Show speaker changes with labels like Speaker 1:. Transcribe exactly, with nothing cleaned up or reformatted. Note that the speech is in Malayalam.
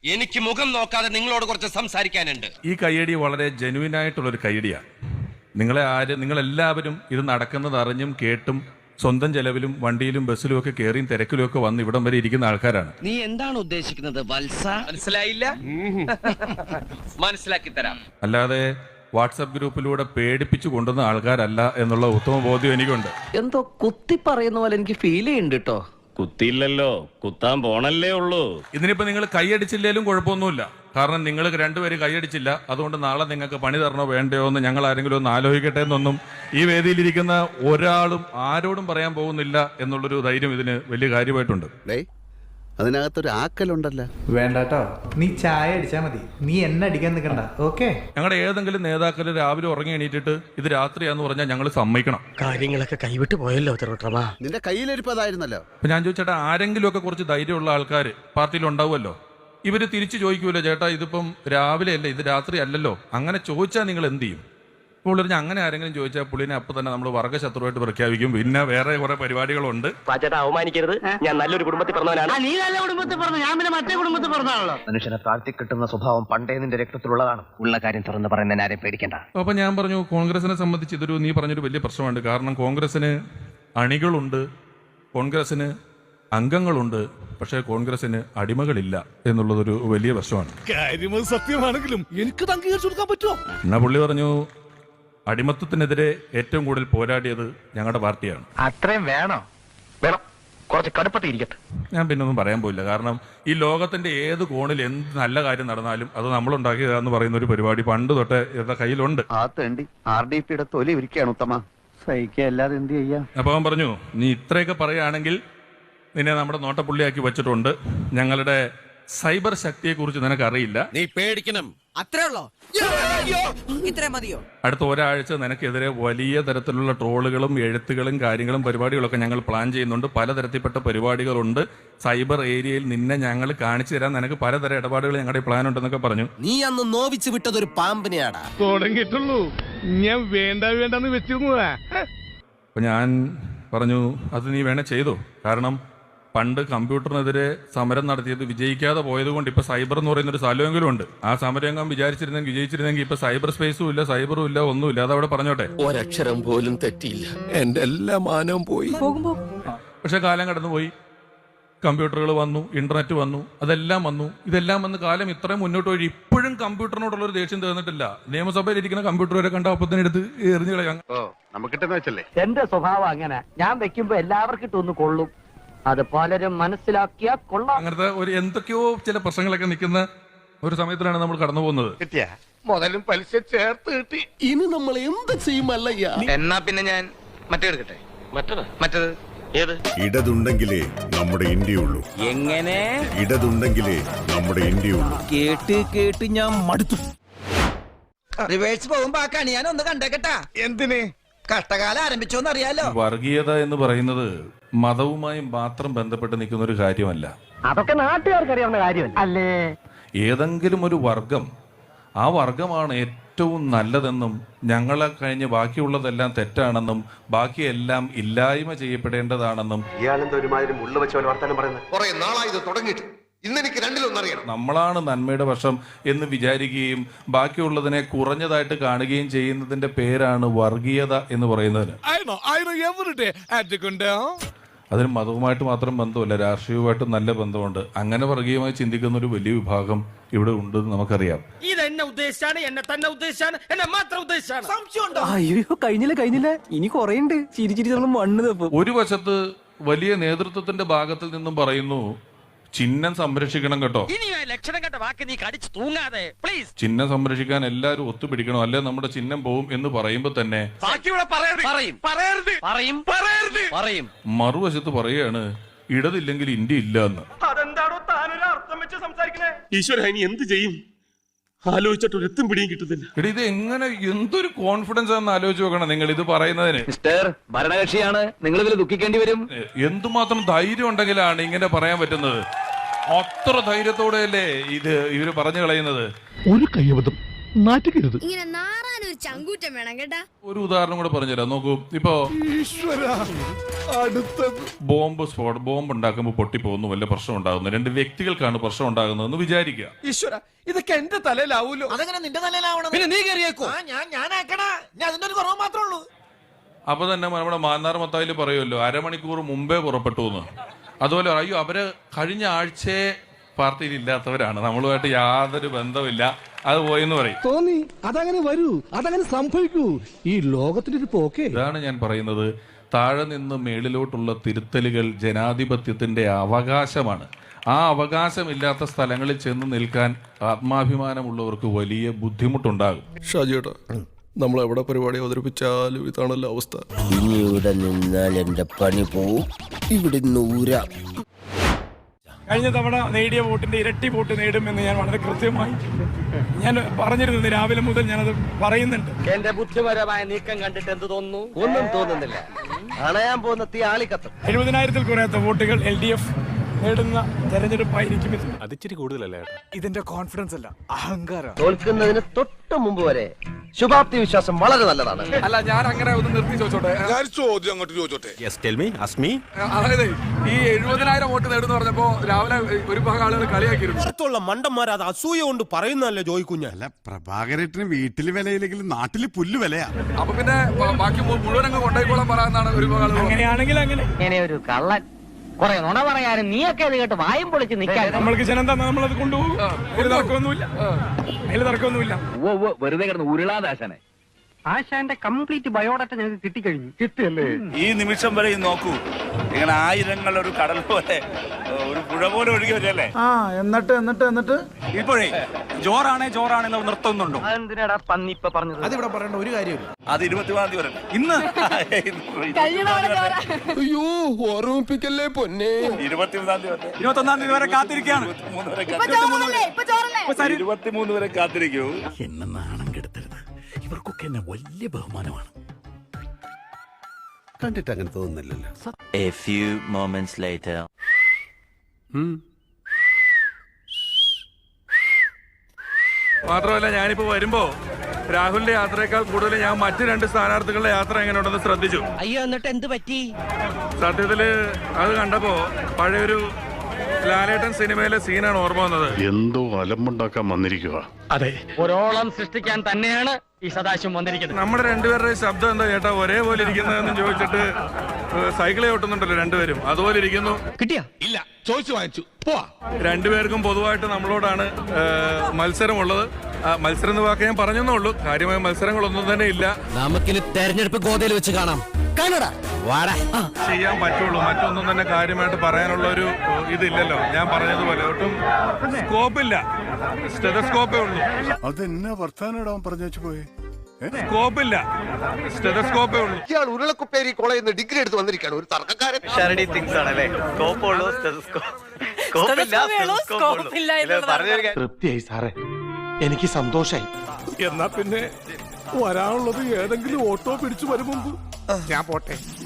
Speaker 1: എനിക്ക് മുഖം നോക്കാതെ നിങ്ങളോട് കുറച്ച് സംസാരിക്കാനുണ്ട്.
Speaker 2: ഈ കയ്യടി വളരെ ജെനുവിൻ ആയിട്ടുള്ളൊരു കയ്യടിയാണ്. നിങ്ങളെ ആര് നിങ്ങളെല്ലാവരും ഇത് നടക്കുന്നത് അറിഞ്ഞും കേട്ടും സ്വന്തം ചെലവിലും വണ്ടിയിലും ബസ്സിലും ഒക്കെ കയറിയും തിരക്കിലും ഒക്കെ വന്ന് ഇവിടം വരെ ഇരിക്കുന്ന ആൾക്കാരാണ്.
Speaker 1: നീ എന്താണ് ഉദ്ദേശിക്കുന്നത് വത്സ? മനസ്സിലായില്ല? മനസ്സിലാക്കി തരാം.
Speaker 2: അല്ലാതെ വാട്സപ്പ് ഗ്രൂപ്പിലൂടെ പേടിപ്പിച്ചു കൊണ്ടുവന്ന ആൾക്കാരല്ല എന്നുള്ള ഉത്തമ ബോധ്യം എനിക്കുണ്ട്.
Speaker 3: എന്തോ കുത്തി പറയുന്ന പോലെ എനിക്ക് ഫീൽ ചെയ്യുന്നുണ്ട് കേട്ടോ.
Speaker 4: കുത്തിയില്ലല്ലോ, കുത്താൻ പോണല്ലേ ഉള്ളൂ.
Speaker 2: ഇതിനിപ്പോ നിങ്ങൾ കൈയടിച്ചില്ലേലും കുഴപ്പമൊന്നുമില്ല. കാരണം നിങ്ങൾ രണ്ടുപേരും കൈയടിച്ചില്ല, അതുകൊണ്ട് നാളെ നിങ്ങൾക്ക് പണി തരണോ വേണ്ടയോ എന്ന് ഞങ്ങൾ ആരെങ്കിലും ഒന്ന് ആലോചിക്കട്ടെ എന്നൊന്നും ഈ വേദിയിലിരിക്കുന്ന ഒരാളും ആരോടും പറയാൻ പോകുന്നില്ല എന്നുള്ളൊരു ധൈര്യം ഇതിന് വലിയ കാര്യമായിട്ടുണ്ട്.
Speaker 5: അതിനകത്തൊരു ആക്കലുണ്ടല്ലോ.
Speaker 6: വേണ്ടാട്ടോ, നീ ചായ അടിച്ചാ മതി, നീ എന്നെ അടിക്കാൻ നിൽക്കണ്ട. ഓക്കെ,
Speaker 2: ഞങ്ങളുടെ ഏതെങ്കിലും നേതാക്കൾ രാവിലെ ഉറങ്ങി എണീറ്റിട്ട് ഇത് രാത്രിയാന്ന് പറഞ്ഞാൽ ഞങ്ങൾ സമ്മതിക്കണം.
Speaker 1: കാര്യങ്ങളൊക്കെ കൈവിട്ട് പോയല്ലോ തിരുവട്ടമാ.
Speaker 5: നിന്റെ കയ്യിലിരിപ്പതായിരുന്നല്ലോ.
Speaker 2: അപ്പൊ ഞാൻ ചോദിച്ചേട്ടാ, ആരെങ്കിലും ഒക്കെ കുറച്ച് ധൈര്യമുള്ള ആൾക്കാർ പാർട്ടിയിൽ ഉണ്ടാവുമല്ലോ. ഇവര് തിരിച്ചു ചോദിക്കൂല്ലോ, ചേട്ടാ ഇതിപ്പം രാവിലെ അല്ലേ, ഇത് രാത്രി അല്ലല്ലോ. അങ്ങനെ ചോദിച്ചാൽ നിങ്ങൾ എന്ത് ചെയ്യും? ഇപ്പോൾ അങ്ങനെ ആരെങ്കിലും ചോദിച്ചാൽ പുള്ളിനെ അപ്പൊ തന്നെ നമ്മൾ വർഗ്ഗശത്രുവായിട്ട് പ്രഖ്യാപിക്കും. പിന്നെ വേറെ കുറെ പരിപാടികളുണ്ട്.
Speaker 4: അവമാനിക്കരുത്, ഞാൻ നല്ലൊരു കുടുംബത്തിൽ പറഞ്ഞവനാണ്.
Speaker 3: നീ നല്ല കുടുംബത്തിൽ പറഞ്ഞു, ഞാൻ പിന്നെ മറ്റേ കുടുംബത്തിൽ പറഞ്ഞാണല്ലോ.
Speaker 4: മനുഷ്യനെ താഴ്ത്തി കിട്ടുന്ന സ്വഭാവം പണ്ടേ നിന്റെ രക്തത്തിലുള്ളതാണ്. ഉള്ള കാര്യം തുറന്ന് പറയുന്ന ആരെയും പേടിക്കണ്ട.
Speaker 2: അപ്പൊ ഞാൻ പറഞ്ഞു, കോൺഗ്രസിനെ സംബന്ധിച്ച് ഇതൊരു നീ പറഞ്ഞൊരു വലിയ പ്രശ്നമുണ്ട്. കാരണം കോൺഗ്രസിന് അണികളുണ്ട്, കോൺഗ്രസിന് അംഗങ്ങളുണ്ട്, പക്ഷേ കോൺഗ്രസിന് അടിമകളില്ല എന്നുള്ളതൊരു വലിയ പ്രശ്നമാണ്.
Speaker 7: സത്യമാണെങ്കിലും എനിക്ക് അംഗീകരിച്ചു കൊടുക്കാൻ പറ്റുമോ?
Speaker 2: എന്നാ പുള്ളി പറഞ്ഞു, അടിമത്തത്തിനെതിരെ ഏറ്റവും കൂടുതൽ പോരാടിയത് ഞങ്ങളുടെ പാർട്ടിയാണ്.
Speaker 4: അത്രയും വേണോ? വേണം, കുറച്ച് കടുപ്പത്തിരിക്കട്ടെ.
Speaker 2: ഞാൻ പിന്നെ ഒന്നും പറയാൻ പോയില്ല. കാരണം ഈ ലോകത്തിന്റെ ഏത് കോണിൽ എന്ത് നല്ല കാര്യം നടന്നാലും അത് നമ്മളുണ്ടാക്കിയതാന്ന് പറയുന്ന ഒരു പരിപാടി പണ്ട് തൊട്ടേ ഇവരുടെ കയ്യിലുണ്ട്.
Speaker 5: ആ തേണ്ടി ആർ ഡി പിയുടെ തൊലി ഇരിക്കുകയാണ് ഉത്തമ. സഹിക്കല്ലാതെ എന്ത് ചെയ്യാം?
Speaker 2: അപ്പൊ അവൻ പറഞ്ഞു, നീ ഇത്രയൊക്കെ പറയുകയാണെങ്കിൽ നിന്നെ നമ്മുടെ നോട്ടപ്പുള്ളിയാക്കി വെച്ചിട്ടുണ്ട്. ഞങ്ങളുടെ സൈബർ ശക്തിയെ കുറിച്ച് നിനക്ക് അറിയില്ല.
Speaker 1: നീ പേടിക്കണം.
Speaker 3: അത്രേ ഉള്ളോ? ഇത്രേ മതിയോ?
Speaker 2: അടുത്ത ഒരാഴ്ച നിനക്കെതിരെ വലിയ തരത്തിലുള്ള ട്രോളുകളും എഴുത്തുകളും കാര്യങ്ങളും പരിപാടികളൊക്കെ ഞങ്ങൾ പ്ലാൻ ചെയ്യുന്നുണ്ട്. പലതരത്തിൽപ്പെട്ട പരിപാടികളുണ്ട്. സൈബർ ഏരിയയിൽ നിന്നെ ഞങ്ങൾ കാണിച്ചു തരാൻ നിനക്ക് പലതരം ഇടപാടുകൾ ഞങ്ങളുടെ പ്ലാൻ ഉണ്ടെന്നൊക്കെ പറഞ്ഞു.
Speaker 1: നീ അന്ന് നോവിച്ച് വിട്ടതൊരു പാമ്പിനെയാടാ.
Speaker 7: തുടങ്ങിയിട്ടുള്ളൂ, ഞാൻ വേണ്ട വേണ്ടെന്ന് വെച്ചിരുന്നതാ.
Speaker 2: അപ്പൊ ഞാൻ പറഞ്ഞു, അത് നീ വേണേ ചെയ്തോ. കാരണം പണ്ട് കമ്പ്യൂട്ടറിനെതിരെ സമരം നടത്തിയത് വിജയിക്കാതെ പോയത് കൊണ്ട് ഇപ്പൊ സൈബർ എന്ന് പറയുന്ന ഒരു സ്ഥലമെങ്കിലും ഉണ്ട്. ആ സമരംഗം വിചാരിച്ചിരുന്നെങ്കിൽ വിജയിച്ചിരുന്നെങ്കിൽ ഇപ്പൊ സൈബർ സ്പേസും ഇല്ല, സൈബറും ഇല്ല, ഒന്നുമില്ല. അതവിടെ പറഞ്ഞോട്ടെ.
Speaker 1: ഒരക്ഷരം പോലും തെറ്റിയില്ല. എന്റെ എല്ലാ മാനവും പോയി.
Speaker 2: പക്ഷെ കാലം കടന്നുപോയി, കമ്പ്യൂട്ടറുകൾ വന്നു, ഇന്റർനെറ്റ് വന്നു, അതെല്ലാം വന്നു. ഇതെല്ലാം വന്ന് കാലം ഇത്രയും മുന്നോട്ട് പോയി ഇപ്പോഴും കമ്പ്യൂട്ടറിനോടുള്ള ഒരു ദേഷ്യം തീർന്നിട്ടില്ല. നിയമസഭയിൽ ഇരിക്കുന്ന കമ്പ്യൂട്ടർ വരെ കണ്ട അപ്പത്തിന് എടുത്ത് എറിഞ്ഞു കളയാം.
Speaker 3: എന്റെ സ്വഭാവം അങ്ങനെ, ഞാൻ വെക്കുമ്പോ എല്ലാവർക്കും ഇട്ടൊന്ന് കൊള്ളും. അത് പലരും മനസ്സിലാക്കിയാ കൊള്ളാം.
Speaker 2: അങ്ങനത്തെ ഒരു എന്തൊക്കെയോ ചില പ്രശ്നങ്ങളൊക്കെ നിൽക്കുന്ന ഒരു സമയത്തിലാണ് നമ്മൾ കടന്നു പോകുന്നത്.
Speaker 7: മുതലും പലിശ ചേർത്ത് കിട്ടി.
Speaker 1: ഇനി നമ്മൾ എന്ത് ചെയ്യുമല്ലയ്യ?
Speaker 4: എന്നാ പിന്നെ ഞാൻ മറ്റേ എടുക്കട്ടെ. മറ്റത് മറ്റത് ഏത്?
Speaker 8: ഇടതുണ്ടെങ്കിലേ നമ്മുടെ ഇന്ത്യയുള്ളൂ.
Speaker 1: എങ്ങനെ?
Speaker 8: ഇടതുണ്ടെങ്കിലേ നമ്മുടെ ഇന്ത്യയുള്ളൂ.
Speaker 3: കേട്ട് കേട്ട് ഞാൻ മടുത്തു. റിവേഴ്സ് പോകുമ്പോ ആ കണി ഞാൻ ഒന്ന് കണ്ടേക്കട്ടാ.
Speaker 7: എന്തിന്?
Speaker 3: കഷ്ടകാലം ആരംഭിച്ചോന്ന് അറിയാലോ.
Speaker 2: വർഗീയത എന്ന് പറയുന്നത് മതവുമായി മാത്രം ബന്ധപ്പെട്ട് നിൽക്കുന്ന ഒരു കാര്യമല്ല.
Speaker 3: അതൊക്കെ നാട്ടുകാർക്ക് അറിയാവുന്ന കാര്യമല്ല അല്ലേ?
Speaker 2: ഏതെങ്കിലും ഒരു വർഗം, ആ വർഗമാണ് ഏറ്റവും നല്ലതെന്നും ഞങ്ങളെ കഴിഞ്ഞ് ബാക്കിയുള്ളതെല്ലാം തെറ്റാണെന്നും ബാക്കിയെല്ലാം ഇല്ലായ്മ ചെയ്യപ്പെടേണ്ടതാണെന്നും നമ്മളാണ് നന്മയുടെ പക്ഷം എന്ന് വിചാരിക്കുകയും ബാക്കിയുള്ളതിനെ കുറഞ്ഞതായിട്ട് കാണുകയും ചെയ്യുന്നതിന്റെ പേരാണ് വർഗീയത എന്ന് പറയുന്നതിന്. അതിന് മതവുമായിട്ട് മാത്രം ബന്ധമല്ല, രാഷ്ട്രീയവുമായിട്ട് നല്ല ബന്ധമുണ്ട്. അങ്ങനെ വർഗീയമായി ചിന്തിക്കുന്ന ഒരു വലിയ വിഭാഗം ഇവിടെ ഉണ്ടെന്ന് നമുക്കറിയാം.
Speaker 1: ഇതെന്നെ ഉദ്ദേശിച്ചാണ്, എന്നെ തന്നെ ഉദ്ദേശിച്ചാണ്, എന്നെ മാത്രം ഉദ്ദേശിച്ചാണ്.
Speaker 3: അയ്യോ, കഴിഞ്ഞില്ല കഴിഞ്ഞില്ല, ഇനി കൊറേ ഉണ്ട്. ചിരി ചിരി നമ്മൾ മണ്ണ് തപ്പും.
Speaker 2: ഒരു വശത്ത് വലിയ നേതൃത്വത്തിന്റെ ഭാഗത്തിൽ നിന്നും പറയുന്നു, ചിഹ്നം സംരക്ഷിക്കണം കേട്ടോ.
Speaker 1: ലക്ഷണം കണ്ട വാക്ക് നീ കടിച്ചു തൂങ്ങാതെ പ്ലീസ്.
Speaker 2: ചിഹ്നം സംരക്ഷിക്കാൻ എല്ലാവരും ഒത്തുപിടിക്കണം, അല്ലെ നമ്മുടെ ചിഹ്നം പോവും എന്ന് പറയുമ്പോ തന്നെ മറുവശത്ത് പറയുകയാണ് ഇടതില്ലെങ്കിൽ ഇന്ത്യ ഇല്ല എന്ന്.
Speaker 4: അതെന്താണോ താനൊരു അർത്ഥം വെച്ച് സംസാരിക്കണേ? ഈശ്വര, ഇനി എന്ത് ചെയ്യും? ആലോചിച്ചിട്ട് ഒരു എത്തും പിടിയും കിട്ടുന്നില്ല.
Speaker 2: എടി, ഇത് എങ്ങനെ, എന്തൊരു കോൺഫിഡൻസ് ആണെന്ന് ആലോചിച്ച് നോക്കണം നിങ്ങൾ ഇത് പറയുന്നതിന്.
Speaker 3: മിസ്റ്റർ ഭരണകക്ഷിയാണ്, നിങ്ങൾ ഇതിൽ ദുഃഖിക്കേണ്ടി വരും.
Speaker 2: എന്തുമാത്രം ധൈര്യം ഉണ്ടെങ്കിലാണ് ഇങ്ങനെ പറയാൻ പറ്റുന്നത്. അത്ര ധൈര്യത്തോടെയല്ലേ ഇത് ഇവര് പറഞ്ഞു കളയുന്നത്.
Speaker 7: ഒരു കയ്യബദ്ധം നാറ്റിക്കരുത്.
Speaker 9: ഇങ്ങനെ നാറാനൊരു ചങ്കൂറ്റം വേണം കേട്ടാ.
Speaker 2: ഒരു ഉദാഹരണം കൂടെ പറഞ്ഞുതരാം. നോക്കൂ, ഇപ്പോ ബോംബ് സ്ഫോട ബോംബ് ഉണ്ടാക്കുമ്പോൾ പൊട്ടിപ്പോകുന്നു, വല്ല പ്രശ്നം ഉണ്ടാകുന്നു, രണ്ട് വ്യക്തികൾക്കാണ് പ്രശ്നം ഉണ്ടാകുന്നതെന്ന് വിചാരിക്കുക.
Speaker 1: ഈശ്വര, ഇതൊക്കെ എന്റെ തലയിലാവൂലോ?
Speaker 10: അതെങ്ങനെ നിന്റെ തലയിലാവണം?
Speaker 1: പിന്നെ നീ കയറിയേക്കോ?
Speaker 10: ഞാൻ ഞാനാക്കണ ഞാൻ അതിന്റെ ഒരു കുറവ് മാത്രമേ ഉള്ളൂ.
Speaker 2: അപ്പൊ തന്നെ നമ്മുടെ മാന്നാർ മത്തായിൽ പറയുമല്ലോ, അരമണിക്കൂർ മുമ്പേ പുറപ്പെട്ടു എന്ന്. അതുപോലെ അയ്യോ അവര് കഴിഞ്ഞ ആഴ്ചയെ പാർട്ടിയിൽ ഇല്ലാത്തവരാണ്, നമ്മളുമായിട്ട് യാതൊരു ബന്ധമില്ല, അത് പോയെന്ന് പറയും.
Speaker 7: തോന്നി അതങ്ങനെ വരൂ, അതങ്ങനെ സംഭവിക്കൂ. ഈ ലോകത്തിന്റെ ഒരു പോക്കേ.
Speaker 2: ഇതാണ് ഞാൻ പറയുന്നത്, താഴെ നിന്ന് മേളിലോട്ടുള്ള തിരുത്തലുകൾ ജനാധിപത്യത്തിന്റെ അവകാശമാണ്. ആ അവകാശമില്ലാത്ത സ്ഥലങ്ങളിൽ ചെന്ന് നിൽക്കാൻ ആത്മാഭിമാനമുള്ളവർക്ക് വലിയ ബുദ്ധിമുട്ടുണ്ടാകും.
Speaker 11: ഷാജിയേട്ടാ, നമ്മൾ എവിടെ പരിപാടി അവതരിപ്പിച്ചാലും ഇതാണല്ലോ അവസ്ഥ.
Speaker 10: ഇനി ഇവിടെ നിന്നാൽ എന്റെ പണി പോവും. ഇവിടെ നൂരാ.
Speaker 12: കഴിഞ്ഞ തവണ നേടിയ വോട്ടിന്റെ ഇരട്ടി വോട്ട് നേടുമെന്ന് ഞാൻ വളരെ കൃത്യമായി ഞാൻ പറഞ്ഞിരുന്നത്. രാവിലെ മുതൽ ഞാനത് പറയുന്നുണ്ട്.
Speaker 3: എന്റെ ബുദ്ധിപരമായ നീക്കം കണ്ടിട്ട് എന്ത് തോന്നുന്നു? ഒന്നും തോന്നുന്നില്ല. അണയാൻ പോകുന്ന തീ ആളിക്കത്തും.
Speaker 12: എഴുപതിനായിരത്തിൽ കുറയാത്ത വോട്ടുകൾ എൽ ഡി എഫ് നേടുന്ന തെരഞ്ഞെടുപ്പായിരിക്കും ഇത്.
Speaker 11: അതിച്ചിരി കൂടുതലല്ലേ?
Speaker 12: ഇതിന്റെ കോൺഫിഡൻസ് അല്ല, അഹങ്കാരം.
Speaker 3: തോൽക്കുന്നതിന് തൊട്ട് മുമ്പ് വരെ ശുഭാപ്തി വിശ്വാസം വളരെ നല്ലതാണ്.
Speaker 12: അല്ല, ഞാൻ അങ്ങനെ ഒന്ന് നിർത്തി ചോദിച്ചോട്ടെ.
Speaker 11: ചോദ്യം അങ്ങോട്ട് ചോദിച്ചോട്ടെ.
Speaker 12: അതായത് ഈ എഴുപതിനായിരം വോട്ട് നേടുന്ന പറഞ്ഞപ്പോ രാവിലെ ഒരു ഭാഗം ആളുകൾ കളിയാക്കിയിരുന്നു.
Speaker 10: മണ്ടന്മാർ അത് അസൂയ കൊണ്ട് പറയുന്നല്ലേ ജോയിക്കുഞ്ഞ.
Speaker 11: അല്ല, പ്രഭാകരേട്ടന് വീട്ടില് വിലയില്ലെങ്കിലും നാട്ടില് പുല്ല് വിലയാ.
Speaker 12: അപ്പൊ പിന്നെ ബാക്കി മുഴുവൻ അങ്ങ് കൊണ്ടായിക്കോളാൻ പറയാന്നാണ് ഒരു ഭാഗം. അങ്ങനെയാണെങ്കിൽ അങ്ങനെ
Speaker 3: ഇങ്ങനെ ഒരു കള്ളൻ കുറെ നുണ പറയാനും നീയൊക്കെ അത് കേട്ട് വായും പൊളിച്ച് നിൽക്കാൻ
Speaker 12: നമ്മൾക്ക് ജനം തന്നെ നമ്മളത് കൊണ്ടുപോകും. ഒരു തർക്കമൊന്നുമില്ല, അതിൽ തർക്കമൊന്നുമില്ല.
Speaker 3: വെറുതെ കിടന്ന് ഉരുളാദാശനെ. ആശാന്റെ കംപ്ലീറ്റ് ബയോഡാറ്റ ഞങ്ങൾക്ക് കിട്ടിക്കഴിഞ്ഞു. കിട്ടിയല്ലേ?
Speaker 4: ഈ നിമിഷം വരെ നോക്കൂ, ഇങ്ങനെ ആയിരങ്ങൾ ഒരു കടൽ പോലെ ഒരു പുഴ പോലെ ഒഴുകി വരല്ലേ.
Speaker 6: ആ എന്നിട്ട് എന്നിട്ട് എന്നിട്ട്
Speaker 4: ഇപ്പോഴേ ജോറാണേ ജോറാണെന്ന് നിർത്തുന്നുണ്ടോ?
Speaker 3: അതെന്തിനാടാ പന്നി ഇപ്പൊ പറഞ്ഞത്?
Speaker 6: അതിവിടെ പറയേണ്ട ഒരു കാര്യമില്ല.
Speaker 4: അത് ഇരുപത്തിമൂന്നാം തീയതി വരെ. ഇന്ന്
Speaker 11: അയ്യോ, ഓർമ്മിപ്പിക്കല്ലേ പൊന്നെ.
Speaker 4: ഇരുപത്തിമൂന്നാം തീയതി വരെ, ഇരുപത്തൊന്നാം തീയതി വരെ കാത്തിരിക്കുകയാണ്. ഇരുപത്തിമൂന്ന് വരെ കാത്തിരിക്കൂ.
Speaker 11: എന്നെ നാണം കെടുത്തരുത്. ഇവർക്കൊക്കെ എന്നെ വലിയ ബഹുമാനമാണ്. കണ്ടിട്ട് അങ്ങനെ തോന്നുന്നില്ലല്ലോ.
Speaker 10: A few moments later.
Speaker 2: മാത്രമല്ല, ഞാനിപ്പോ വരുമ്പോ രാഹുലിന്റെ യാത്രയേക്കാൾ കൂടുതൽ ഞാൻ മറ്റു രണ്ട് സ്ഥാനാർത്ഥികളുടെ യാത്ര എങ്ങനെയുണ്ടെന്ന് ശ്രദ്ധിച്ചു.
Speaker 10: അയ്യോ, എന്നിട്ട് എന്ത് പറ്റി?
Speaker 2: സത്യത്തില് അത് കണ്ടപ്പോ പഴയൊരു ലാലേട്ടൻ സിനിമയിലെ സീനാണ് ഓർമ്മ വന്നത്.
Speaker 8: എന്തോ അലമ്പുണ്ടാക്കാൻ വന്നിരിക്കുക.
Speaker 3: അതെ, ഒരോളം സൃഷ്ടിക്കാൻ തന്നെയാണ് ഈ സദാശിവം വന്നിരിക്കുന്നത്.
Speaker 2: നമ്മുടെ രണ്ടുപേരുടെ ശബ്ദം എന്താ ചേട്ടാ ഒരേപോലെ ഇരിക്കുന്നതെന്ന് ചോദിച്ചിട്ട് സൈക്കിളെ ഓട്ടുന്നുണ്ടല്ലോ രണ്ടുപേരും, അതുപോലെ ഇരിക്കുന്നു.
Speaker 3: കിട്ടിയാ?
Speaker 7: ഇല്ല, ചോദിച്ചു വാങ്ങിച്ചു. പോവാ.
Speaker 2: രണ്ടുപേർക്കും പൊതുവായിട്ട് നമ്മളോടാണ് മത്സരമുള്ളത്. മത്സരം എന്ന് വാക്ക് ഞാൻ പറഞ്ഞെന്നേ ഉള്ളൂ, കാര്യമായ മത്സരങ്ങളൊന്നും തന്നെ ഇല്ല.
Speaker 10: നമുക്കിനി തെരഞ്ഞെടുപ്പ് ഗോതയിൽ വെച്ച് കാണാം. കാണടാ, വാടാ.
Speaker 2: ചെയ്യാൻ പറ്റുള്ളൂ, മറ്റൊന്നും തന്നെ കാര്യമായിട്ട് പറയാനുള്ള ഒരു ഇതില്ലല്ലോ. ഞാൻ പറഞ്ഞതുപോലെ ഒട്ടും സ്കോപ്പില്ല, സ്റ്റെതസ്കോപ്പേ ഉള്ളൂ.
Speaker 8: അതെന്നാ വർത്താനം പറഞ്ഞു വെച്ച് പോയേ?
Speaker 2: സ്കോപ്പില്ല, സ്റ്റെതസ്കോപ്പേ ഉള്ളൂ.
Speaker 5: ഇയാൾ ഉരുളക്കുപ്പേരി കോളേജിൽ നിന്ന് ഡിഗ്രി എടുത്ത് വന്നിരിക്കുകയാണ്, ഒരു തർക്കക്കാരൻ.
Speaker 7: തൃപ്തിയായി സാറേ, എനിക്ക് സന്തോഷായി. എന്നാ പിന്നെ വരാനുള്ളത് ഏതെങ്കിലും ഓട്ടോ പിടിച്ചു വരും മുമ്പ് ഞാൻ പോട്ടെ.